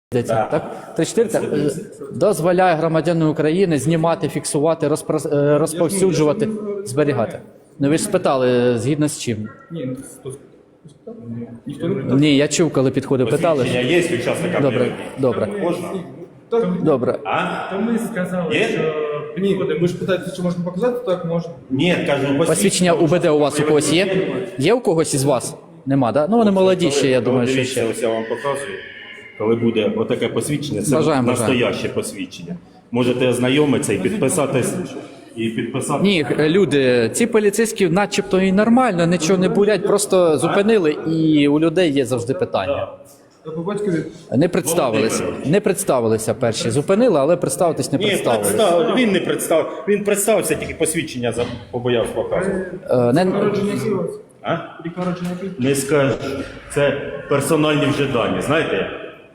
Так? 34 дозволяє громадянину України знімати, фіксувати, розповсюджувати, зберігати. Ну ви ж спитали, згідно з чим? Ні, я чув, коли підходив, питали. Посвідчення є учасника? Добре. Можна? Добре. То ми сказали, Є? що Ні, ви ж питаєте, чи можна показати, так можна. Ні, кажу, Посвідчення УБД у вас у когось є? Є у когось із вас? Нема, так? Да? Ну вони молоді ще, я думаю, що Дивіться, ще. ось я вам показую. Коли буде отаке посвідчення, це Бажаємо. настояще посвідчення. Можете ознайомитися і підписатись. Ні, люди, ці поліцейські начебто і нормально, нічого не бурять, просто зупинили і у людей є завжди питання. А по батькові? Не представилися перші. Зупинили, але представитись не Ні, представилися. він не представив. Він представився, тільки посвідчення побоявся показувати. Народження який у вас? А? Рік народження який? Не скажу. Це персональні вже дані, знаєте?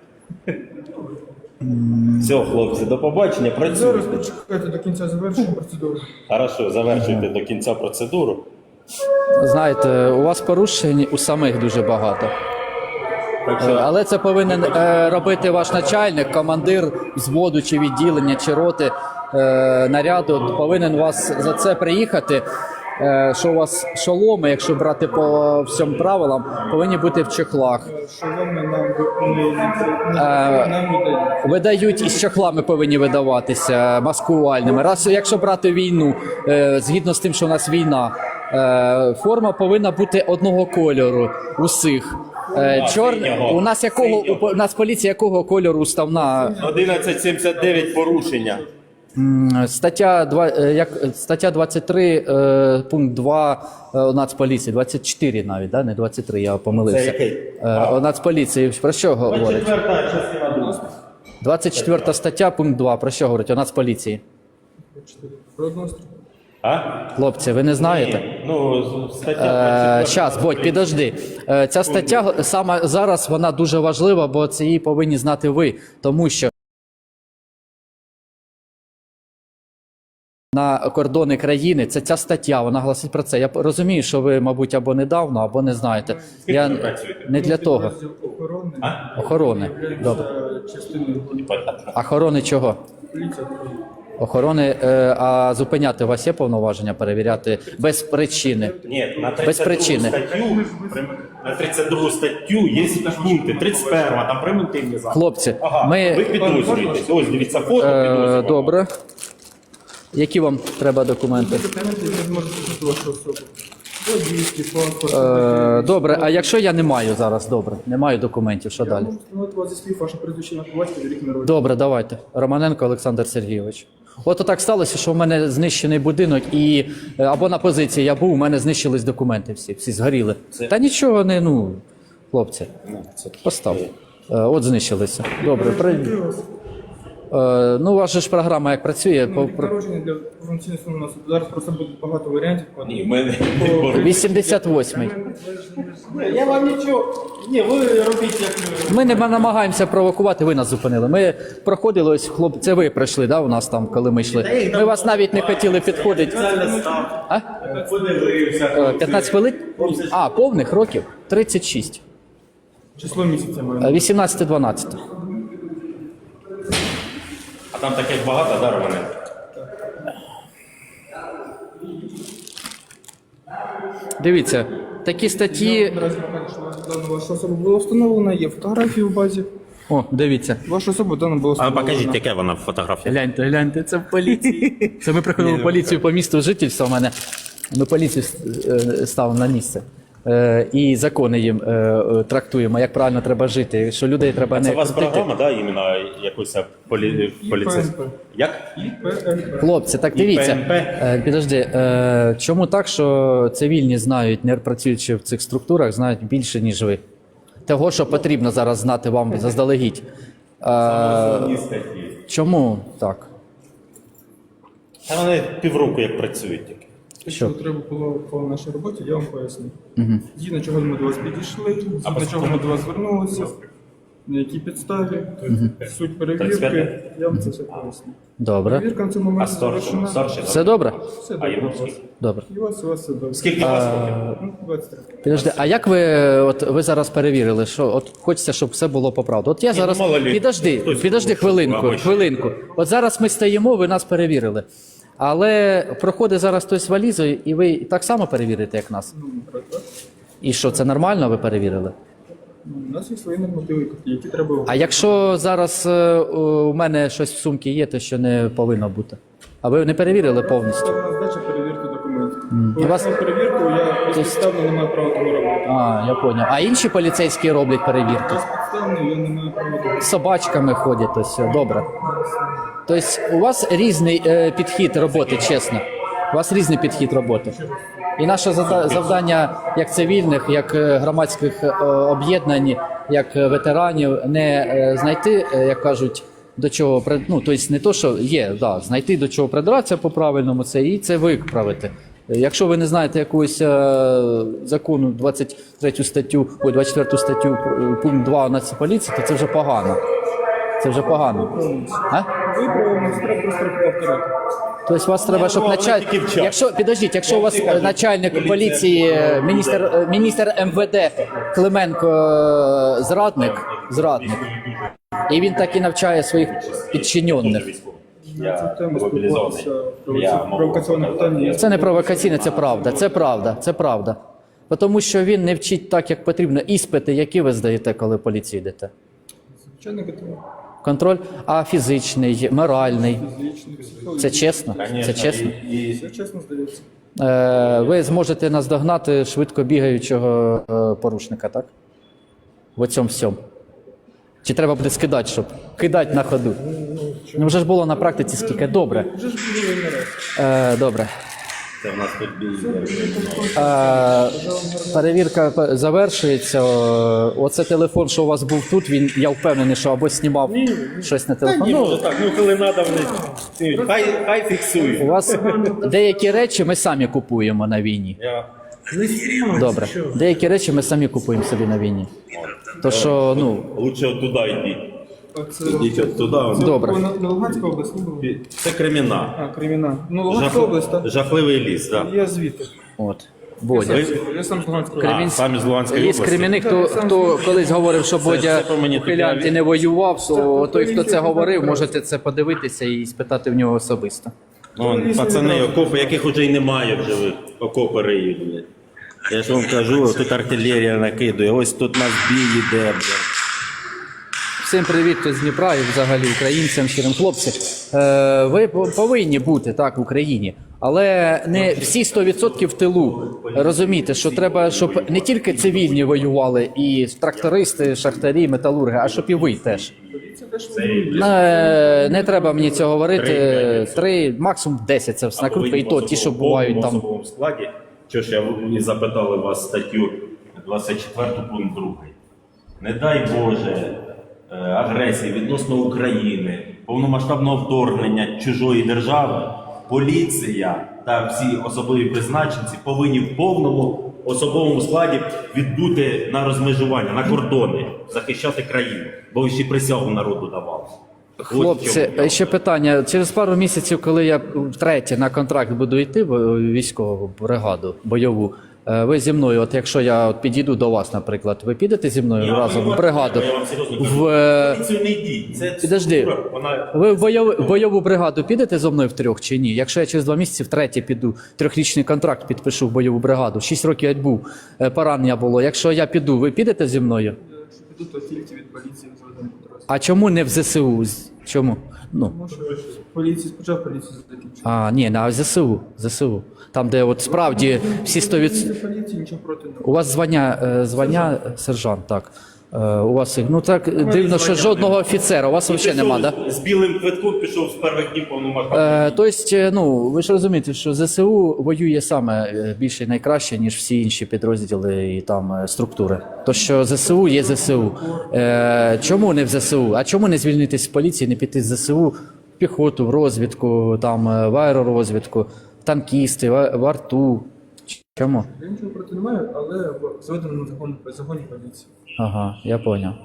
Все, хлопці, до побачення, Зараз працюйте. почекайте до кінця завершення процедури. Хорошо, завершуйте до кінця процедуру. Знаєте, у вас порушень у самих дуже багато. Так що, Але це повинен робити ваш начальник, командир взводу чи відділення, чи роти наряду. Повинен вас за це приїхати. Що у вас шоломи, якщо брати по всім правилам, повинні бути в чехлах. Шоломи нам видають. Видають із чехлами повинні видаватися маскувальними. Раз, якщо брати війну, згідно з тим, що у нас війна, форма повинна бути одного кольору усіх. У нас поліція якого кольору уставна? 1179 порушення. Стаття 23, пункт 2 Нацполіції, 24 навіть, да? Не 23, я помилився. Це який? Нацполіції, про що говорить? Четверта частина друга. 24 стаття, пункт 2, про що говорить? У Нацполіції. Про однострій. А? Хлопці, ви не знаєте? Ну, стаття Щас, Бодь, підожди. Ця стаття саме зараз вона дуже важлива, бо це її повинні знати ви, тому що на кордони країни, це ця стаття, вона гласить про це. Я розумію, що ви, мабуть, або недавно, або не знаєте. Я не для того. Охорони. Охорони. Добре. Частиною Охорони чого? поліції. Охорони, а зупиняти у вас є повноваження перевіряти без причини? Ні, на Без 32 причини. статтю, на 32 статтю є пункти, 31, там превентивні заходи. Хлопці, Ага, ви ми... підозрюєтесь. Ось, дивіться, фото підозрюваного. Добре. Які вам треба документи? Документи не зможуть писати вашу особу. Водійський, паспорт. Добре, а якщо я не маю зараз, добре, не маю документів, що далі? Можу встановити вас зі слів, ваше прізвище на батькові, рік народження. Добре, давайте. Романенко Олександр Сергійович. От так сталося, що в мене знищений будинок і або на позиції я був, у мене знищились документи всі згоріли. Та нічого не, хлопці, постав. От знищилися. Добре, у вас же ж програма як працює? Рік народження для функційного у нас зараз просто буде багато варіантів. Ні, в мене не боротьба. 88-й. Я вам нічого. Ні, ви робіть як ви. Ми не намагаємося провокувати, ви нас зупинили. Ми проходили, ось хлопці, це ви прийшли, да, у нас там, коли ми йшли. Ми вас навіть не хотіли підходити. А? 15 хвилин? А, повних років? 36. Число місяця маю. 18-12. А там таких багато, да, Романенко? Дивіться, такі статті... Наразі покажу, що ваша особа була встановлена, є фотографії в базі. О, дивіться. Ваша особа дана була А встановлена. покажіть, яке вона фотографія. Гляньте, це в поліції. Це ми приходили в поліцію по місту жительства в мене. Ми поліцію ставимо на місце. І закони їм трактуємо, як правильно треба жити, що людей треба не Це у вас крутити. програма, да, іменно якусь поліцейська? ПНП. Як? ПНП. Хлопці, так дивіться, ПНП. підожди, чому так, що цивільні знають, не працюючи в цих структурах, знають більше, ніж ви? Того, що потрібно зараз знати вам заздалегідь. Основні статті. Чому так? Та вони півроку як працюють тільки. Що треба було по нашій роботі, я вам поясню. Згідно чого ми до вас підійшли, згідно чого ми до вас звернулися. На якій підставі, суть перевірки, 35. я вам це все поясню. Добре. Перевірка в цьому А момент старший? завершена. Старший? Все добре? Все А добре йому у вас. скільки? Добре. І у вас все добре. Скільки у вас років? Ну, 23. Підожди, а як ви зараз перевірили, що от хочеться, щоб все було по правді? От я зараз. мало лі. Хтось Підожди хвилинку, або ще. хвилинку. От зараз ми стоїмо, ви нас перевірили. Але проходить зараз хтось валізою, і ви так само перевірите, як нас. Ну, так. І що, це нормально ви перевірили? Ну, у нас є свої нормативи, які треба. А якщо зараз у мене щось в сумці є, то що не повинно бути? А ви не перевірили повністю? Це у нас здача перевірки документів. У вас- Поясню перевірку, я безпідставно не маю права того робити. А, я поняв. А інші поліцейські роблять перевірки? Безпідставно я не маю права того. З собачками ходять, то все, добре. Тобто у вас різний підхід роботи, чесно. У вас різний підхід роботи. І наше завдання як цивільних, як громадських об'єднань, як ветеранів, не знайти, як кажуть, до чого ну, тобто не то, що є, да, знайти до чого придратися по-правильному, це і це виправити. Якщо ви не знаєте якогось закону 23 статтю, 24 статтю, пункт 2 Нацполіції, то це вже погано. Це вже погано. А? Виправимо, треба просто повторити. Тобто вас треба, щоб головне начальник. тільки вчасно. Якщо підождіть, якщо у вас всі кажуть, начальник поліція поліції, міністр МВД Клименко зрадник, і він так і навчає своїх підчинених. Цю тему мобілізований. спілкуватися, провокаційне питання. Це не провокаційне, це правда. Це правда. Це правда. Тому що він не вчить так, як потрібно. Іспити, які ви здаєте, коли в поліцію йдете? Звичайно, готово. Контроль, а фізичний, моральний. Фізичний, психологічний. Це чесно? Це чесно? Все чесно здається. Ви зможете наздогнати швидко бігаючого порушника, так? В оцьому всьому. Чи треба буде скидати, щоб кидати на ходу? Ну вже ж було на практиці скільки. Добре. Вже ж було не раз. Добре. Це в нас тут бій. Перевірка завершується. Оце телефон, що у вас був тут, він, я впевнений, що або знімав щось на телефон. Ні, Ну, може так, ну коли треба, вони хай у фіксують. вас деякі речі ми самі купуємо на війні. Я Добре. Деякі речі ми самі купуємо собі на війні. То що, ну, лучше от туди йдіть. Оце Йдіть от туди. добре. на Луганська область, ну, Це Креміна. а, Креміна. Ну, Луганська область, так? Жахливий ліс, так. Я звідти. От. Бодя. Я сам з Луганської області. А, самі з Луганської Є області. кримінник, хто колись говорив, що Бодя це по мені у Хилянті таке- не воював, то той, хто це говорив, можете це подивитися і спитати в нього особисто. Ну, пацани, окопи, яких уже й немає в живих, окопи риють. Блядь. Я ж вам кажу, тут артилерія накидує, ось тут нас бій іде, блядь. Всім привіт з Дніпра і взагалі українцям, щирим хлопці. Ви повинні бути так в Україні, але не всі 100% в тилу. Розумієте, що треба, щоб не тільки цивільні воювали, і трактористи, шахтарі, металурги, а щоб і ви теж. Не треба мені цього говорити. 3, максимум 10 це все накрутка, і то ті, що бувають там. В складі, що ж я і запитали вас статтю 24 пункт 2. Не дай Боже агресії відносно України, повномасштабного вторгнення чужої держави, поліція та всі особливі призначенці повинні в повному особовому складі відбути на розмежування, на кордони, захищати країну, бо ви ще присягу народу давали. Ось в Хлопці, чому. ще питання. Через пару місяців, коли я втретє на контракт буду йти в військову бригаду бойову, ви зі мною, от якщо я от підійду до вас, наприклад, ви підете зі мною разом в бригаду? Я вам серйозно кажу, В... поліцію не йдіть. Це Підожди, структура, вона... ви в бойову бригаду підете зі мною втрьох чи ні? Якщо я через 2 місяці втретє піду, 3-річний контракт підпишу в бойову бригаду, 6 років я був, поранення було. Якщо я піду, ви підете зі мною? Якщо піду, то тільки від поліції зведемо підрозділ. А чому не в ЗСУ? Чому? Ну. Тому що поліції спочатку поліцію закінчили. Ні, на ЗСУ. ЗСУ. Там, де от справді всі 100%... Поліції нічого проти не У вас звання сержант, так. У вас, ну так дивно, що жодного офіцера. У вас взагалі нема, так? З білим квитком пішов з перших днів повномасштабного. Тобто, ну, ви ж розумієте, що ЗСУ воює саме більше і найкраще, ніж всі інші підрозділи і там структури. То, що ЗСУ є ЗСУ. Чому не в ЗСУ? А чому не звільнитись з поліції, не піти з ЗСУ в піхоту, в розвідку, там, в аеророзвідку, танкісти, в арту? Чому? Я нічого проти не маю, але зведено на законі поліції. Ага, я поняв.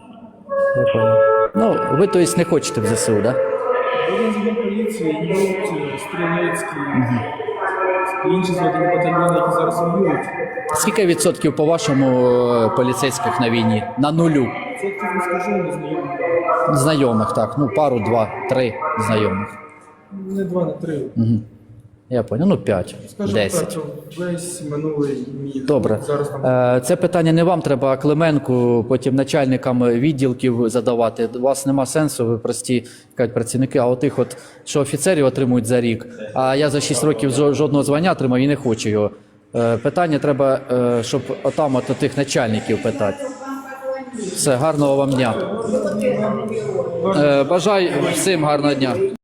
Я понял. Ну, ви, то есть, не хочете в ЗСУ, так? Да? Один загін поліції, Юрт, Стрілецький, інші зведені батальйони, які зараз воюють. Скільки відсотків, по-вашому, поліцейських на війні? На нулю? Це як не скажу, не знайомі. Знайомих, так. Ну, пару, два, три знайомих. Не 2, не 3. Я понял. Ну, 5, Скажімо 10. так, весь минулий міг. Добре. Зараз там Це питання не вам, треба Клименку, потім начальникам відділків задавати. У вас нема сенсу, ви прості кажуть, працівники, а отих, от, що офіцерів отримують за рік, а я за 6 років жодного звання отримав і не хочу його. Питання треба, щоб отам от тих начальників питати. Все, гарного вам дня. Бажаю всім гарного дня.